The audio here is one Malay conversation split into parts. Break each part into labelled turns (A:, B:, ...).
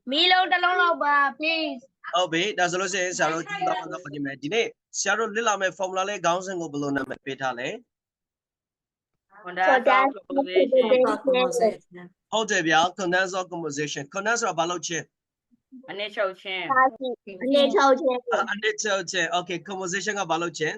A: Milo talong loba, please.
B: Oh, be that's also say Saro Dine. Saro Lila me formula le gowns and go below me petale. How do you condense or composition? Condense or baloche?
C: Initial chain.
B: Okay, composition of baloche.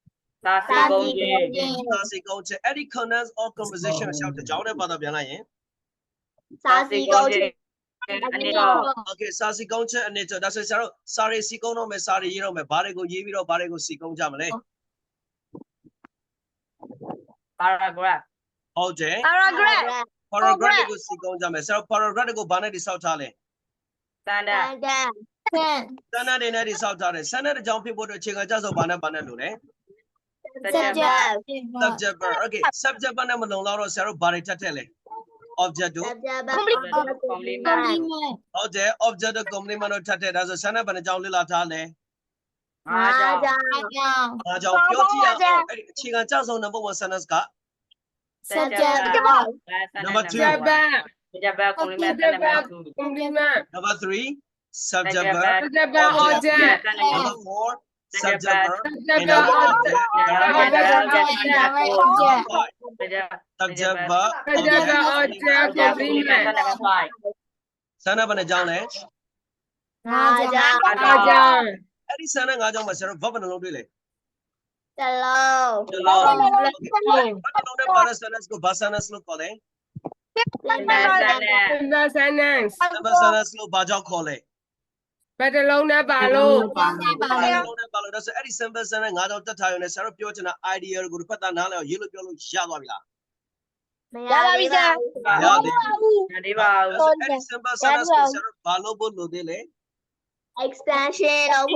C: Sassy
B: Goche. Any condense or composition shout the John about the Biana. Okay, Sassy Goche and nature. That's a Saro. Sorry, Sikono me sorry, you know, me Barego Yiviro Barego Sikon Jamale.
C: Paragraph.
B: Oh, Jay.
A: Paragraph.
B: Sikon Jame. So paragraph go banner the Southale.
C: Standard.
B: Sana de Nadi Southale. Sana the jumping board of Chicken Jazz of Banner Banner. Subject. Okay, subject Banner Malone Sarah Baritatele. Object. Okay, object of compliment of Tate as a son of a John Lila Tale. Chicken Jazz on number one son got. Number two. Number three. Subject verb. Number four. Subject verb. And number subject verb. Sana bana jang le. Adi sana nga jang ma sero verb na long dui le. Hello. Para sana ko basana slow ko le.
D: Number sentence.
B: Number sana slow ba jaw ko le.
D: Badalona balo.
B: That's Eddie Simba sana nga jang tat thayo ne sero pyo chana idea ko phat ta na le yi lo pyo lo ya twa bi la. Eddie Simba sana sero ba lo bo lo de le.
A: Extension of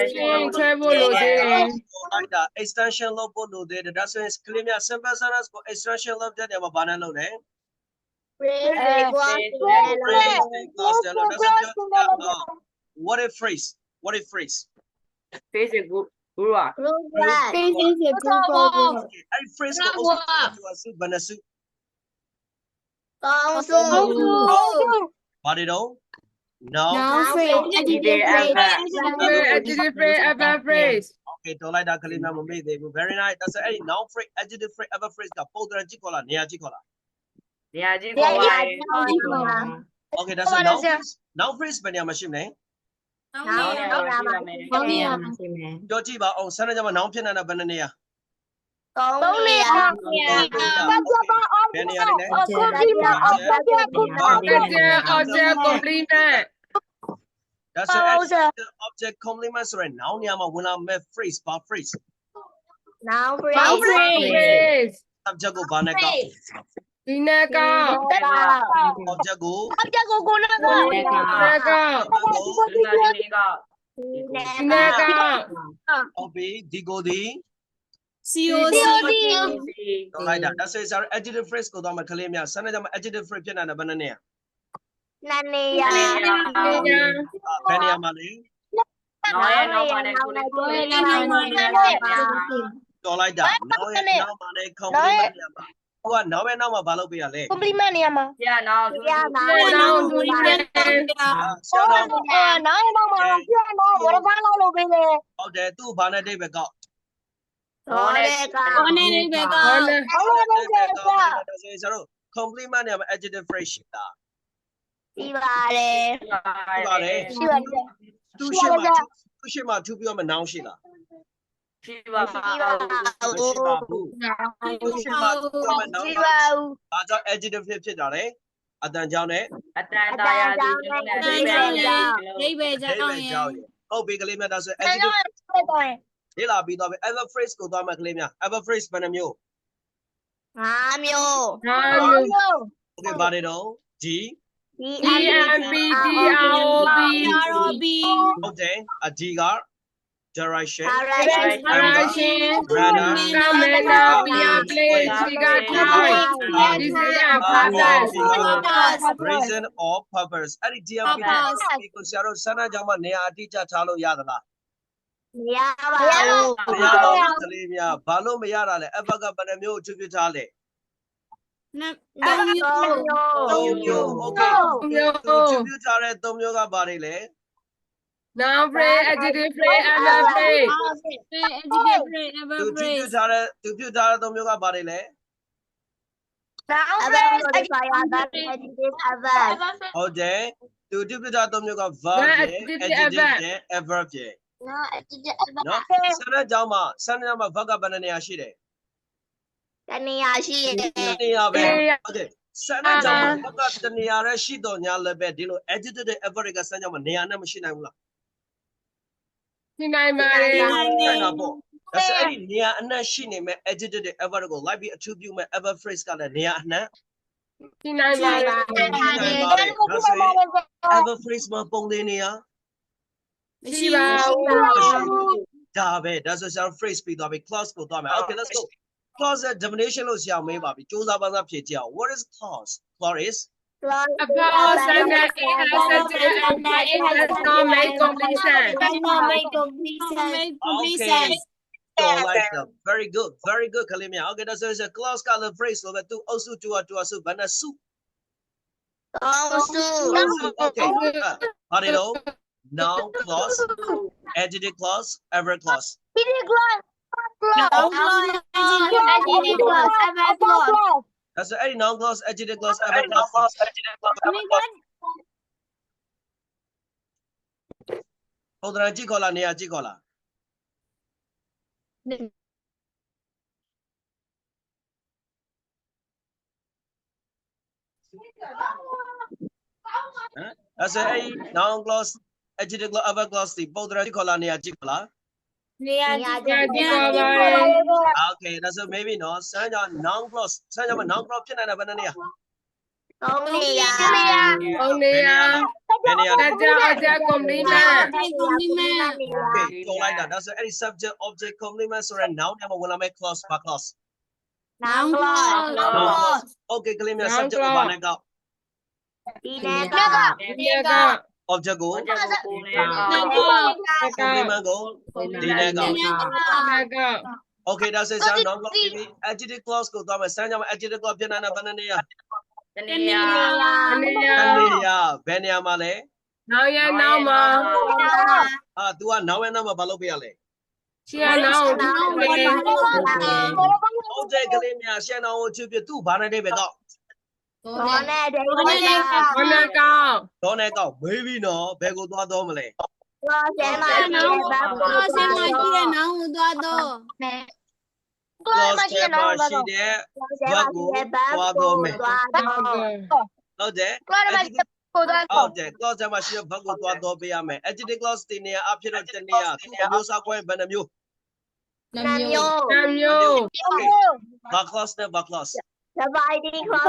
B: extension lo bo lo de that's why clear me Simba sana ko extension lo de ma ba na lo ne. What a phrase. What a phrase.
C: Face a good rock.
B: Every phrase ko also to a soup banasu. Badido. No.
D: Adjective phrase, ever phrase.
B: Okay, don't like that kalima mo me. They were very nice. That's a noun phrase, adjective phrase, ever phrase ka podra jikola, niya jikola. Okay, that's a noun phrase. Noun phrase ba niya machine ne? Jo ji ba ong sana jama noun phit na ba na niya?
D: Object complement.
B: That's an object complement. Sorry, noun niya ma wala me phrase ba phrase.
A: Noun
D: Phrase.
B: Subject ko ba na ka?
D: Dinaka.
B: Object ko.
D: Dinaka.
B: Obi digo di.
A: COD.
B: Don't like that. That's our adjective phrase ko do ma kale mya. Sana jama adjective phrase phit na na ba na niya? Beniya ma le. Don't like that. Now ma le compliment niya ma. Now we know ba lo pi ya le.
A: Compliment niya ma.
C: Yeah, now.
B: Okay, tu ba na dei be ka. Compliment niya ma adjective phrase shi ta. Di ba le. Tu shi ma tu pyo ma noun shi la. Ba jaw adjective phit ta le. Atan jaw ne. Oh, big kale mya da so adjective. Di la bi do be ever phrase ko do ma kale mya. Ever phrase ba na myo? Okay, ba de do. G.
D: EMPDROB.
B: Okay, a G ga direction. Reason or purpose. Any DMP ko sharo sana jama ne atija thalo ya da la. Ba lo ma ya da le. Ever ga ba na myo chu pit tha le. မျိုး okay သူချပြထားတဲ့3မျိုးကဘာတွေလဲ
D: Noun phrase, adjective phrase, adverb phrase.
B: သူချပြထားတဲ့3မျိုးကဘာတွေလဲ ဟုတ်တယ်သူချပြထားတဲ့3မျိုးက verb ရဲ့ adjective ရဲ့ adverb ရဲ့နော်စတဲ့ကြောင်းမှာ verb ကဘယ်နှနေရာရှိတယ်
A: တနေရာရှိတယ်
B: နေရာပဲဟုတ်တယ်စတဲ့ကြောင်းမှာ verb ကတနေရာရဲရှိတော့ညာလည်းပဲဒီလို adjective နဲ့ adverb တွေကစတဲ့ကြောင်းမှာနေရာနဲ့မရှိနိုင်ဘူးလား
D: Xin này mà đi.
B: နိုင်တာပေါ့ဒါဆိုအဲ့ဒီနေရာအနှံ့ရှိနေမဲ့ adjective တွေ adverb ကိုလိုက်ပြီး attribute မဲ့ adverb phrase ကလည်းနေရာအနှံ့
D: Xin này mà đi.
B: နိုင်ပါတယ်ဒါဆိုရင် adverb phrase မှာပုံသေးနေရာ
D: Đi vào.
B: ဒါပဲဒါဆိုကျွန်တော် phrase ပြီးသွားပြီ clause ကိုသွားမယ် okay let's go clause ရဲ့ definition လို့ဆရာမေးပါပြီစူးစမ်းပါးစပ်ဖြေကြည့်အောင် what is clause clause is
D: A clause sentence it has subject and it has not made completion.
B: okay so like that very good Kalimia okay that's a clause ကလည်း phrase ဆိုပဲသူအုပ်စုတူအစုဘယ်နှစု okay ဟာဒီလို noun clause adjective clause adverb clause that's any noun clause adjective clause adverb clause ပုံသဏ္ဍာန်ကြည့်ခေါ်လားနေရာကြည့်ခေါ်လားthat's any noun clause adjective clause adverb clause ဒီပုံသဏ္ဍာန်ကြည့်ခေါ်လားနေရာကြည့်ခေါ်လား okay that's a maybe no စမ်းကြ noun clause စမ်းကြမ noun clause ဖြစ်နိုင်တာဘယ်နှနေရာ
D: Only ya.
B: ဘယ်နေရာလဲ
D: Object complement.
B: okay ပြောလိုက်တာ that's any subject object complement ဆိုတဲ့ noun နဲ့မဝင်လာမဲ့ clause ဘာ clause okay ကလေးများ subject ကိုဘာနဲ့ကောက် object ကို complement ကိုဒီနဲ့ကောက် okay that's it sound noun clause ပြီး adjective clause ကိုသွားမယ်စမ်းကြမယ် adjective clause ဖြစ်နိုင်တာဘယ်နှနေရာ ဘယ်နေရာမှာလဲ
D: Now ya now ma.
B: तू က now ရဲ့နောက်မှာဘာလုပ်ပေးရလဲ
D: She now.
B: object ကလေးများရှင်းအောင်ချပြသူ့ဘာနဲ့တိပဲကောက်
D: Con nào con?
B: တော့နဲ့ကောက်မေးပြီနော်ဘယ်ကိုသွားတော့မလဲ clause ထဲမှာရှိတဲ့ verb ကိုသွားတော့မယ်ဟုတ်တယ်ဟုတ်တယ် clause ထဲမှာရှိတဲ့ verb ကိုသွားတော့ပေးရမယ် adjective clause တင်နေရအဖြစ်တော့တနေရသူ့အမျိုးအစားခွဲဘယ်နှမျိုး
D: Namyo.
B: okay ဘာ clause နဲ့ဘာ clause
A: Dividing clause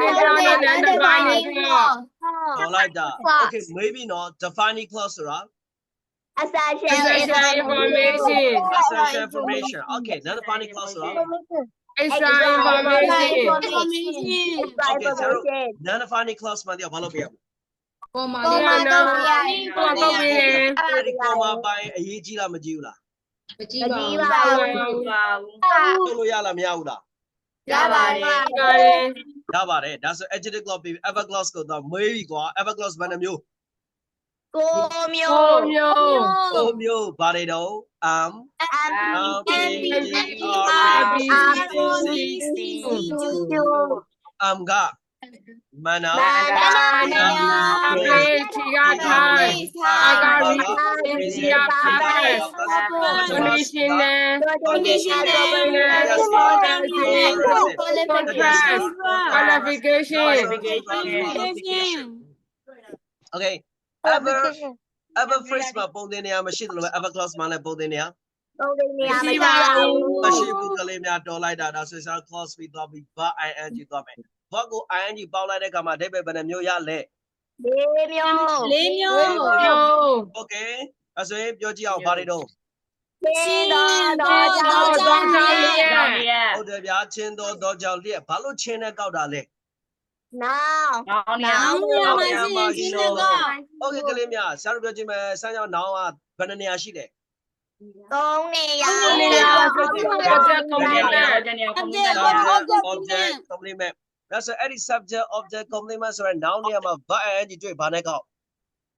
B: ဟောလိုက်တာ okay maybe not defining clause ဆိုတာ
A: Essential
D: Information.
B: essential information okay non-defining clause ဆိုတာ
D: Extra information.
B: okay so non-defining clause မှာတရားဘာလုပ်ပြရမလဲ
D: Comma now. Comma be.
B: အဲ့ဒီ comma ပိုင်းအရေးကြီးလားမကြီးဘူးလား ဆိုလို့ရလားမရဘူးလား ရပါတယ်ဒါဆို adjective clause ပြီး adverb clause ကိုတော့မေးပြီကွာ adverb clause ဘယ်နှမျိုး
D: Comyo.
B: မျိုးဘာတွေတော့ ကမနာ okay ever phrase မှာပုံသင်နေရမရှိသလိုပဲ ever clause မှာလည်းပုံသင်နေရမရှိဘူးကလေးများတော်လိုက်တာဒါဆိုရင် clause ပြီးသွားပြီး verb ing သွားမယ် verb ကို ing ပေါက်လိုက်တဲ့အခါမှာအဓိပ္ပာယ်ဘယ်နှမျိုးရလဲ okay အဲ့ဆိုရင်ပြောကြည့်အောင်ဘာတွေတော့ဟုတ်တယ်ဗျာချင်းတော့ကြောင့်လျက်ဘာလို့ချင်းနဲ့ကောက်တာလဲ okay ကလေးများဆရာတို့ပြောကြည့်မယ်စမ်းကြောင်းနောင်ကဘယ်နှနေရာရှိလဲ object complement ဒါဆိုအဲ့ဒီ subject object complement ဆိုတဲ့ noun နေရာမှာ verb and ing တွေ့ဘာနဲ့ကောက်